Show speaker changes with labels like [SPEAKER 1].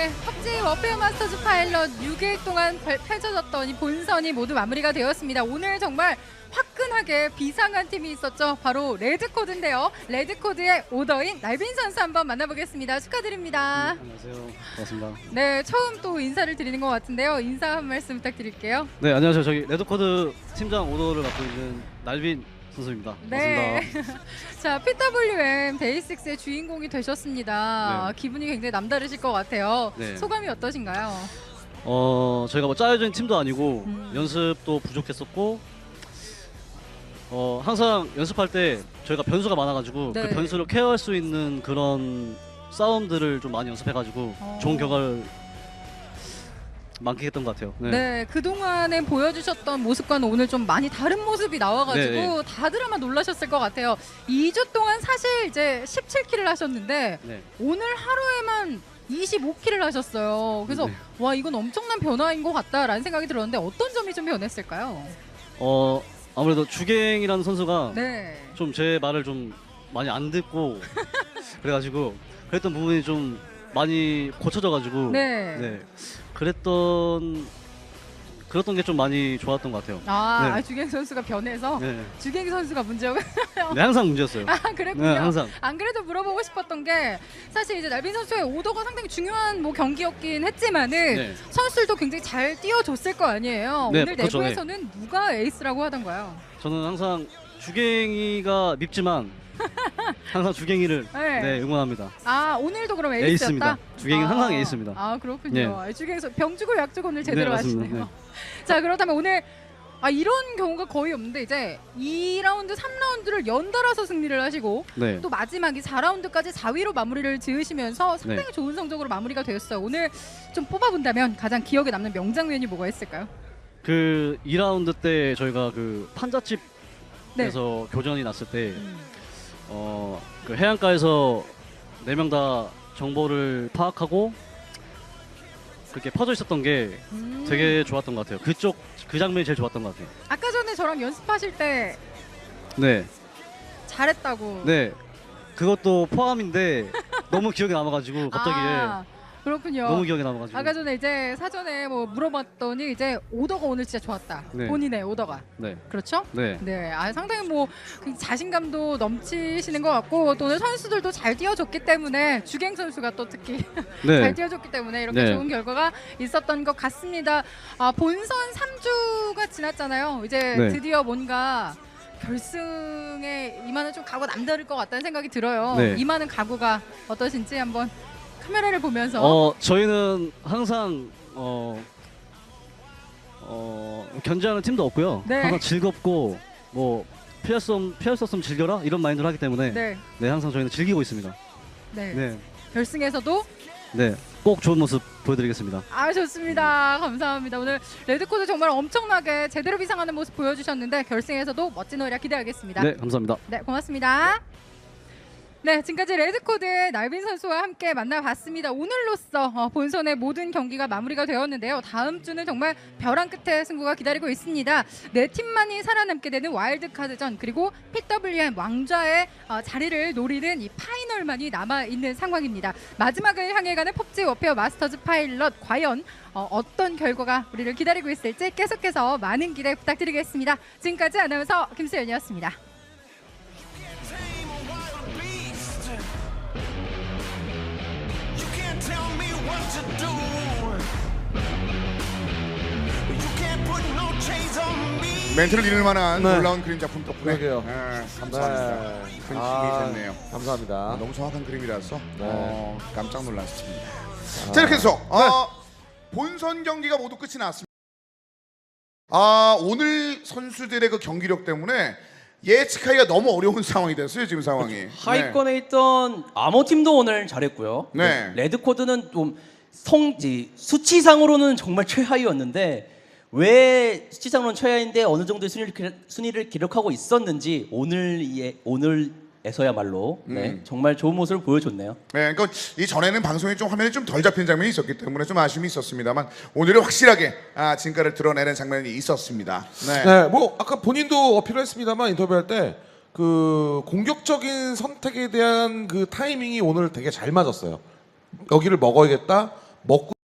[SPEAKER 1] 네, 펍지 워페어 마스터즈 파일럿 6일 동안 펼쳐졌던 이 본선이 모두 마무리가 되었습니다. 오늘 정말 화끈하게 비상한 팀이 있었죠. 바로 레드코드인데요. 레드코드의 오더인 날빈 선수 한번 만나보겠습니다. 축하드립니다.
[SPEAKER 2] 안녕하세요. 반갑습니다.
[SPEAKER 1] 네, 처음 또 인사를 드리는 것 같은데요. 인사 한 말씀 부탁드릴게요.
[SPEAKER 2] 네, 안녕하세요. 저기 레드코드 팀장 오더를 맡고 있는 날빈 선수입니다.
[SPEAKER 1] 네.
[SPEAKER 2] 반갑습니다.
[SPEAKER 1] 자, PWM 데이식스의 주인공이 되셨습니다.
[SPEAKER 2] 네.
[SPEAKER 1] 기분이 굉장히 남다르실 것 같아요.
[SPEAKER 2] 네.
[SPEAKER 1] 소감이 어떠신가요?
[SPEAKER 2] 저희가 뭐 짜여진 팀도 아니고
[SPEAKER 1] 음.
[SPEAKER 2] 연습도 부족했었고 항상 연습할 때 저희가 변수가 많아가지고
[SPEAKER 1] 네.
[SPEAKER 2] 그 변수를 케어할 수 있는 그런 싸움들을 좀 많이 연습해가지고 좋은 결과를 만끽했던 것 같아요.
[SPEAKER 1] 네, 그동안에 보여주셨던 모습과는 오늘 좀 많이 다른 모습이 나와가지고
[SPEAKER 2] 네.
[SPEAKER 1] 다들 아마 놀라셨을 것 같아요. 2주 동안 사실 이제 17킬을 하셨는데
[SPEAKER 2] 네.
[SPEAKER 1] 오늘 하루에만 25킬을 하셨어요. 그래서
[SPEAKER 2] 네.
[SPEAKER 1] 와, 이건 엄청난 변화인 것 같다라는 생각이 들었는데 어떤 점이 좀 변했을까요?
[SPEAKER 2] 아무래도 주갱이라는 선수가
[SPEAKER 1] 네.
[SPEAKER 2] 좀 제 말을 좀 많이 안 듣고 그래가지고 그랬던 부분이 좀 많이 고쳐져가지고
[SPEAKER 1] 네.
[SPEAKER 2] 그랬던 게 좀 많이 좋았던 것 같아요.
[SPEAKER 1] 아,
[SPEAKER 2] 네.
[SPEAKER 1] 주갱 선수가 변해서
[SPEAKER 2] 네,
[SPEAKER 1] 주갱 선수가 문제가
[SPEAKER 2] 네 항상 문제였어요.
[SPEAKER 1] 아, 그랬군요.
[SPEAKER 2] 네, 항상.
[SPEAKER 1] 안 그래도 물어보고 싶었던 게 사실 이제 날빈 선수의 오더가 상당히 중요한 뭐 경기였긴 했지만은
[SPEAKER 2] 네.
[SPEAKER 1] 선수들도 굉장히 잘 뛰어줬을 거 아니에요.
[SPEAKER 2] 네,
[SPEAKER 1] 오늘
[SPEAKER 2] 그렇죠.
[SPEAKER 1] 내부에서는 누가 에이스라고 하던가요?
[SPEAKER 2] 저는 항상 주갱이가 밉지만 항상 주갱이를
[SPEAKER 1] 네.
[SPEAKER 2] 응원합니다.
[SPEAKER 1] 아, 오늘도 그럼 에이스였다?
[SPEAKER 2] 에이스입니다. 주갱이는 항상 에이스입니다.
[SPEAKER 1] 아, 그렇군요. 주갱에서 병주고 약주고 오늘 제대로
[SPEAKER 2] 네, 맞습니다.
[SPEAKER 1] 하시네요. 자, 그렇다면 오늘 이런 경우가 거의 없는데 이제 2라운드, 3라운드를 연달아서 승리를 하시고
[SPEAKER 2] 네.
[SPEAKER 1] 또 마지막이 4라운드까지 4위로 마무리를 지으시면서 상당히
[SPEAKER 2] 네.
[SPEAKER 1] 좋은 성적으로 마무리가 되었어요. 오늘 좀 뽑아본다면 가장 기억에 남는 명장면이 뭐가 있을까요?
[SPEAKER 2] 그 2라운드 때 저희가 그 판잣집에서
[SPEAKER 1] 네.
[SPEAKER 2] 교전이 났을 때 그 해안가에서 4명 다 정보를 파악하고 그렇게 퍼져 있었던 게 되게 좋았던 것 같아요. 그 장면이 제일 좋았던 것 같아요.
[SPEAKER 1] 아까 전에 저랑 연습하실 때
[SPEAKER 2] 네,
[SPEAKER 1] 잘했다고.
[SPEAKER 2] 네, 그것도 포함인데 너무 기억에 남아가지고 갑자기
[SPEAKER 1] 그렇군요.
[SPEAKER 2] 너무 기억에 남아가지고.
[SPEAKER 1] 아까 전에 이제 사전에 뭐 물어봤더니 이제 오더가 오늘 진짜 좋았다.
[SPEAKER 2] 네.
[SPEAKER 1] 본인의 오더가.
[SPEAKER 2] 네,
[SPEAKER 1] 그렇죠?
[SPEAKER 2] 네,
[SPEAKER 1] 네, 상당히 뭐 자신감도 넘치시는 것 같고 또 오늘 선수들도 잘 뛰어줬기 때문에 주갱 선수가 또 특히 잘
[SPEAKER 2] 네,
[SPEAKER 1] 뛰어줬기 때문에 이렇게
[SPEAKER 2] 네.
[SPEAKER 1] 좋은 결과가 있었던 것 같습니다. 본선 3주가 지났잖아요. 이제
[SPEAKER 2] 네.
[SPEAKER 1] 드디어 뭔가 결승에 임하는 좀 각오가 남다를 것 같다는 생각이 들어요.
[SPEAKER 2] 네.
[SPEAKER 1] 임하는 각오가 어떠신지 한번 카메라를 보면서.
[SPEAKER 2] 저희는 항상 견제하는 팀도 없고요.
[SPEAKER 1] 네.
[SPEAKER 2] 항상 즐겁고 뭐 피할 수 없으면 즐겨라 이런 마인드를 하기 때문에
[SPEAKER 1] 네,
[SPEAKER 2] 항상 저희는 즐기고 있습니다.
[SPEAKER 1] 네.
[SPEAKER 2] 네,
[SPEAKER 1] 결승에서도
[SPEAKER 2] 네, 꼭 좋은 모습 보여드리겠습니다.
[SPEAKER 1] 좋습니다. 감사합니다. 오늘 레드코드 정말 엄청나게 제대로 비상하는 모습 보여주셨는데 결승에서도 멋진 활약 기대하겠습니다.
[SPEAKER 2] 네, 감사합니다.
[SPEAKER 1] 네, 고맙습니다. 네, 지금까지 레드코드의 날빈 선수와 함께 만나봤습니다. 오늘로써 본선의 모든 경기가 마무리가 되었는데요. 다음 주는 정말 벼랑 끝에 승부가 기다리고 있습니다. 네 팀만이 살아남게 되는 와일드카드전 그리고 PWM 왕좌의 자리를 노리는 이 파이널만이 남아있는 상황입니다. 마지막을 향해 가는 펍지 워페어 마스터즈 파일럿 과연 어떤 결과가 우리를 기다리고 있을지 계속해서 많은 기대 부탁드리겠습니다. 지금까지 아나운서 김수연이었습니다.
[SPEAKER 3] Tell me what to do. You can't put no chains on me.
[SPEAKER 4] 멘트를 잃을 만한
[SPEAKER 5] 네.
[SPEAKER 4] 놀라운 그림 작품 덕분에
[SPEAKER 5] 그러게요.
[SPEAKER 4] 감사합니다.
[SPEAKER 5] 네.
[SPEAKER 4] 큰 힘이 됐네요.
[SPEAKER 5] 감사합니다.
[SPEAKER 4] 너무 정확한 그림이라서
[SPEAKER 5] 네.
[SPEAKER 4] 깜짝 놀랐습니다. 자, 이렇게 해서 본선 경기가 모두 끝이 났습니다. 오늘 선수들의 그 경기력 때문에 예측하기가 너무 어려운 상황이 됐어요. 지금 상황이.
[SPEAKER 6] 하위권에 있던 아모 팀도 오늘 잘했고요.
[SPEAKER 4] 네.
[SPEAKER 6] 레드코드는 좀 수치상으로는 정말 최하위였는데 왜 수치상으로는 최하위인데 어느 정도의 순위를 기록하고 있었는지 오늘에서야말로 정말 좋은 모습을 보여줬네요.
[SPEAKER 4] 네, 그러니까 이 전에는 방송이 좀 화면이 좀 덜 잡힌 장면이 있었기 때문에 좀 아쉬움이 있었습니다만 오늘은 확실하게 진가를 드러내는 장면이 있었습니다. 네.
[SPEAKER 5] 네, 뭐 아까 본인도 어필을 했습니다만 인터뷰할 때 그 공격적인 선택에 대한 그 타이밍이 오늘 되게 잘 맞았어요. 여기를 먹어야겠다. 먹고